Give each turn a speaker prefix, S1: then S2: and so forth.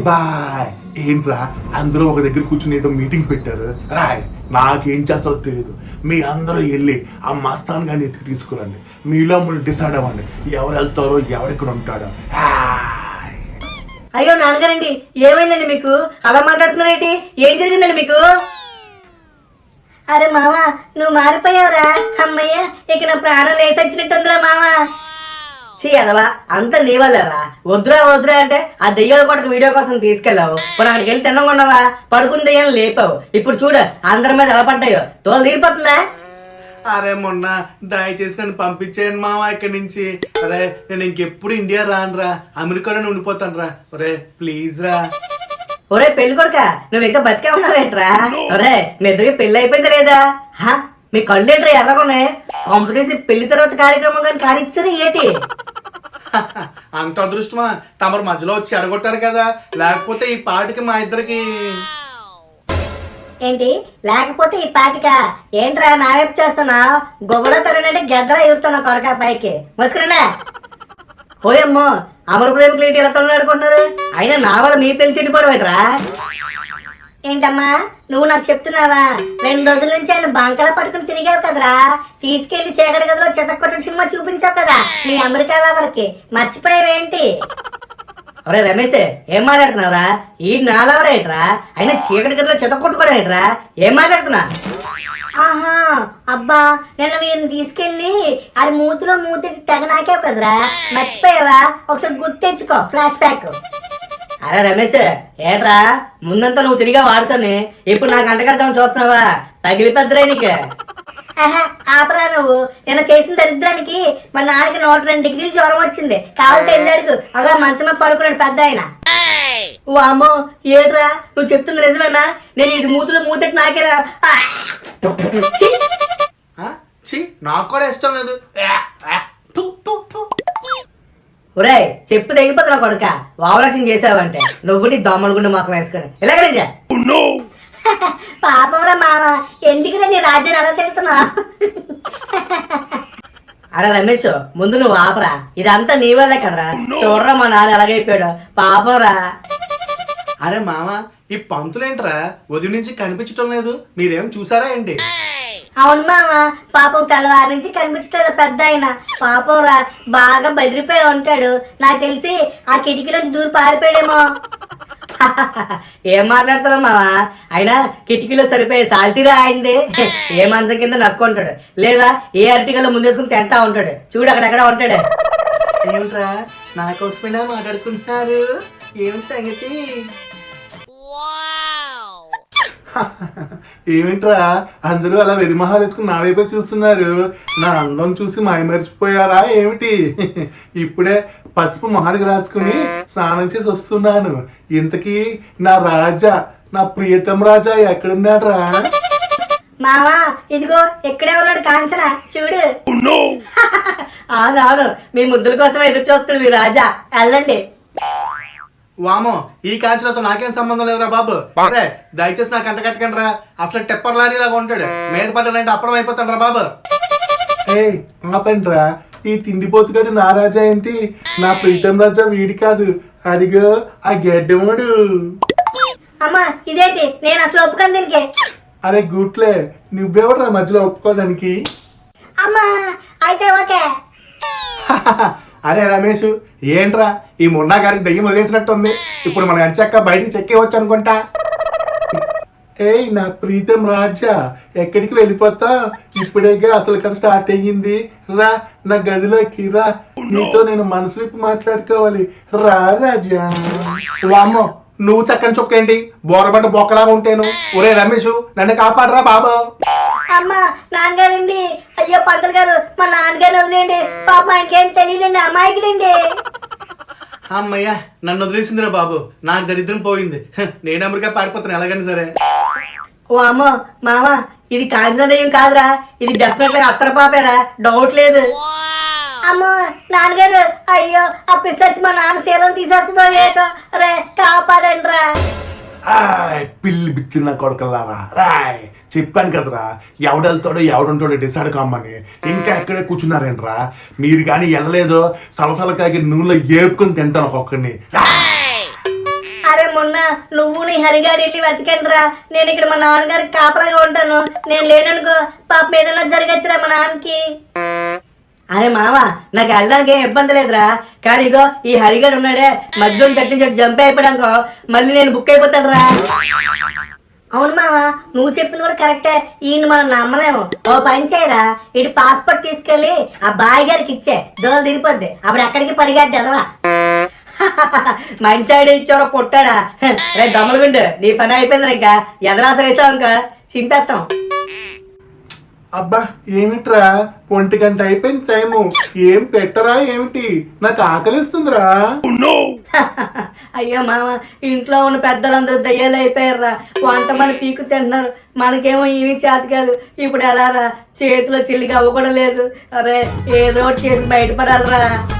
S1: Bye. ఏంట్రా అందరూ ఒక దగ్గర కూర్చుని ఏదో మీటింగ్ పెట్టారు. రాయ్ నాకేం చేస్తారో తెలియదు. మీ అందరూ వెళ్ళి ఆ మస్తాన్ గారిని ఎత్తుకు తీసుకురండి. మీలో మీరు డిసైడ్ అవ్వండి ఎవరు వెళ్తారో ఎవరెక్కడ ఉంటాడో.
S2: అయ్యో నాన్నగారండి, ఏమైందండి మీకు? అలా మాట్లాడుతున్నారేంటి? ఏం జరిగిందండి మీకు? అరే మావా, నువ్వు మారిపోయావురా. అమ్మయ్య, ఇక నా ప్రాణం లేసొచ్చినట్టుందిరా మావా. అదవా అంత నీ వల్లరా. వద్దురా వద్దురా అంటే ఆ దెయ్యాల కొడుకు వీడియో కోసం తీసుకెళ్ళావు. ఇప్పుడు అక్కడికి వెళ్ళి తినకుండా పడుకుని దెయ్యాలు లేపావు. ఇప్పుడు చూడు అందరి మీద ఎలా పడ్డాయో. తోలు తీరిపోతుందా?
S3: అరే మొన్న దయచేసి నన్ను పంపించేయండి మామ ఇక్కడి నుంచి. అరే నేను ఇంకెప్పుడు ఇండియా రానురా, అమెరికాలోనే ఉండిపోతాను రా. ఒరే ప్లీజ్ రా.
S2: ఒరే పెళ్లి కొడుక, నువ్వు ఇంకా బతికే ఉన్నావేంట్రా? ఒరే మీ ఇద్దరికి పెళ్లి అయిపోయింది లేదా? మీ కళ్ళు ఏంట్రా ఎర్రగొన్నాయి? కాంపిటీషన్ పెళ్లి తర్వాత కార్యక్రమం కానీ కానిచ్చారు ఏంటి?
S3: అంత అదృష్టమా? తమరు మధ్యలో వచ్చి అడగొట్టారు కదా, లేకపోతే ఈ పాటికి మా ఇద్దరికి.
S2: ఏంటి లేకపోతే ఈ పాటిక? ఏంట్రా నా వైపు చేస్తున్నా? గొప్పలో తరనంటే గద్దలా ఎగురుతున్నా కొడక పైకి. మసుకున్నా ఓయమ్మో, అమరు ప్రేమికులు ఏంటి ఎలా తొలగాడుకుంటున్నారు? అయినా నా వల్ల మీ పెళ్లి చెడిపోవడమేట్రా? ఏంటమ్మా నువ్వు నాకు చెప్తున్నావా? 2 రోజుల నుంచి ఆయన బంకలా పట్టుకుని తిరిగావు కదరా. తీసుకెళ్లి చీకటి గదిలో చితక్కొట్టిన సినిమా చూపించావు కదా మీ అమెరికా లవర్కి. మర్చిపోయావేంటి? ఒరే రమేష్, ఏం మాట్లాడుతున్నావురా? ఈ నాలవరేట్రా? అయినా చీకటి గదిలో చితక్కొట్టుకోవడం ఏంట్రా? ఏం మాట్లాడుతున్నా? ఆహా అబ్బా, నిన్న వీరిని తీసుకెళ్లి అది మూతిలో మూతి తెగ నాకేవు కదరా. మర్చిపోయావా? ఒకసారి గుర్తు తెచ్చుకో, ఫ్లాష్ బ్యాక్. అరే రమేష్, ఏట్రా ముందంతా నువ్వు తిరిగా వాడుతానే, ఇప్పుడు నాకు అంటగడతామని చూస్తున్నావా? తగిలిపెద్దరే నీకు. ఆపరా నువ్వు. నిన్న చేసిన దరిద్రానికి మా నాన్నకి 102 డిగ్రీలు జ్వరం వచ్చింది. కావాలంటే వెళ్ళాడుకు అలా మంచమే పడుకున్నాడు పెద్ద ఆయన. ఓ అమ్మో, ఏట్రా నువ్వు చెప్తుంది నిజమేనా? నేను ఇది మూతులు మూతెట్టి నాకేరా.
S3: నాకు కూడా ఇష్టం లేదు.
S2: ఒరే చెప్పు తెగిపోతున్నా కొడుక. వావరక్షణ చేసావంటే నువ్వు నీ దోమల గుండె మాకు వేసుకుని ఇలాగ. పాపంరా మామ, ఎందుకు నీ రాజ్యాన్ని అలా తిడుతున్నా? అరే రమేష్, ముందు నువ్వు ఆపరా. ఇదంతా నీ వల్లే కదరా. చూడరా మా నాన్న ఎలాగైపోయాడు. పాపంరా.
S3: అరే మామ, ఈ పంతులేంట్రా ఉదయం నుంచి కనిపించటం లేదు? మీరేం చూసారా ఏంటి?
S2: అవును మామ, పాపం తెల్లవారి నుంచి కనిపించలేదు పెద్ద ఆయన. పాపం రా, బాగా బెదిరిపోయి ఉంటాడు. నాకు తెలిసి ఆ కిటికీలోంచి దూరి పారిపోయాడేమో. ఏం మాట్లాడుతున్నావు మావా? అయినా కిటికీలో సరిపోయే సాల్తీరా అయింది. ఏ మంచం కింద నక్కుంటాడు, లేదా ఏ అరటికల్లో ముందేసుకుని తింటా ఉంటాడు. చూడు అక్కడెక్కడ ఉంటాడు.
S3: ఏమిట్రా నా కోసమైనా మాట్లాడుకుంటున్నారు? ఏమిటి సంగతి?
S1: ఏమిట్రా అందరూ అలా వెరిమహాలు వేసుకుని నా వైపే చూస్తున్నారు? నా అందం చూసి మాయమరిచిపోయారా ఏమిటి? ఇప్పుడే పసుపు మొహానికి రాసుకుని స్నానం చేసి వస్తున్నాను. ఇంతకీ నా రాజా, నా ప్రియతం రాజా ఎక్కడున్నాడ్రా?
S2: మావా ఇదిగో ఇక్కడే ఉన్నాడు కాంచన, చూడు. అవునవును, మీ ముద్దుల కోసం ఎదురు చూస్తున్నాడు మీ రాజా. వెళ్ళండి.
S3: వామో, ఈ కాంచనతో నాకేం సంబంధం లేదురా బాబు. అరే దయచేసి నాకు అంట కట్టకండి రా. అసలు టెప్పర్ లారీ లాగా ఉంటాడు. మీద పడ్డానంటే అప్పడం అయిపోతాడు రా బాబు.
S1: ఏయ్ ఆపండ్రా, ఈ తిండిపోతుగాడు నా రాజా ఏంటి? నా ప్రీతం రాజా వీడి కాదు, అడిగో ఆ గెడ్డముడు.
S2: అమ్మా ఇదేంటి? నేను అసలు ఒప్పుకొని దీనికి.
S1: అరే గుట్లే, నువ్వెవడరా మధ్యలో ఒప్పుకోవడానికి?
S2: అమ్మా అయితే ఓకే.
S1: అరే రమేష్, ఏంట్రా ఈ మున్నా గారికి దయ్యం వదిలేసినట్టుంది. ఇప్పుడు మనం ఎంచక్క బయటికి చెక్కేవచ్చు అనుకుంటా. ఏయ్ నా ప్రీతం రాజా, ఎక్కడికి వెళ్ళిపోతా? ఇప్పుడేగా అసలు కథ స్టార్ట్ అయ్యింది. రా నా గదిలోకి రా, నీతో నేను మనసు విప్పి మాట్లాడుకోవాలి. రా రాజా.
S3: వామ్మో, నువ్వు చక్కని చొక్కేంటి? బోరబంట బొక్కలాగా ఉంటాను. ఒరే రమేష్, నన్ను కాపాడరా బాబు.
S2: అమ్మా నాన్నగారండి. అయ్యో పంతులు గారు, మా నాన్నగారు వదిలేండి. పాప ఆయనకేం తెలియదండి, అమాయకుడండి.
S3: అమ్మయ్యా, నన్ను వదిలేసిందిరా బాబు. నాకు దరిద్రం పోయింది. నేను అమెరికా పారిపోతాను ఎలాగని సరే.
S2: ఓ అమ్మో మామ, ఇది కాంచన దయ్యం కాదురా, ఇది డెఫినెట్ గా అత్తర పాపేరా, డౌట్ లేదు. అమ్మో నాన్నగారు, అయ్యో ఆ పిస్తాచి మా నాన్న శీలం తీసేస్తుందో ఏదో. రే కాపాడండి రా.
S1: పిల్లి బిత్తిన కొడకల్లారా. రాయ్ చెప్పాను కదరా, ఎవడెళ్తాడో ఎవడుంటాడో డిసైడ్ కమ్మని. ఇంకా ఎక్కడే కూర్చున్నారేంట్రా? మీరు కానీ వెళ్ళలేదో సలసలకాగి నూనెలో ఏపుకొని తింటాను ఒక్కొక్కడిని.
S2: అరే నువ్వు నీ హరిగారు వెళ్ళి వెతకండి రా. నేను ఇక్కడ మా నాన్నగారికి కాపలాగా ఉంటాను. నేను లేననుకో పాపం ఏదైనా జరగచ్చురా మా నాన్నకి. అరే మామ, నాకు వెళ్ళడానికి ఏం ఇబ్బంది లేదురా. కానీ ఇగో ఈ హరిగాడు ఉన్నాడే, మధ్యలో చట్నీ చెట్టు జంప్ అయిపోయానుకో మళ్ళీ నేను బుక్ అయిపోతాను రా. అవును మామ, నువ్వు చెప్పింది కూడా కరెక్టే. ఈయన మనం నమ్మలేము. ఓ పని చేయరా, ఇటు పాస్పోర్ట్ తీసుకెళ్ళి ఆ బాయ్ గారికి ఇచ్చే, దోలు తిరిగిపోద్ది. అప్పుడు ఎక్కడికి పరిగెట్టి ఎదవా. మంచి ఐడియా ఇచ్చారో పొట్టాడా. రే దమ్మలగుండు, నీ పని అయిపోయింది. ఇంకా ఎదరాస వేసావు ఇంకా చింపేస్తాం.
S1: అబ్బా ఏమిట్రా, 1 గంట అయిపోయింది టైము. ఏం పెట్టరా ఏమిటి? నాకు ఆకలిస్తుందిరా.
S2: అయ్యో మామ, ఇంట్లో ఉన్న పెద్దలందరూ దయ్యాలు అయిపోయారురా. వంట మన పీకు తింటున్నారు, మనకేమో ఏమీ చేత కాదు. ఇప్పుడు ఎలా రా, చేతిలో చిల్లిగా అవ్వ కూడా లేదు. అరే ఏదో ఒకటి చేసి బయటపడాలిరా.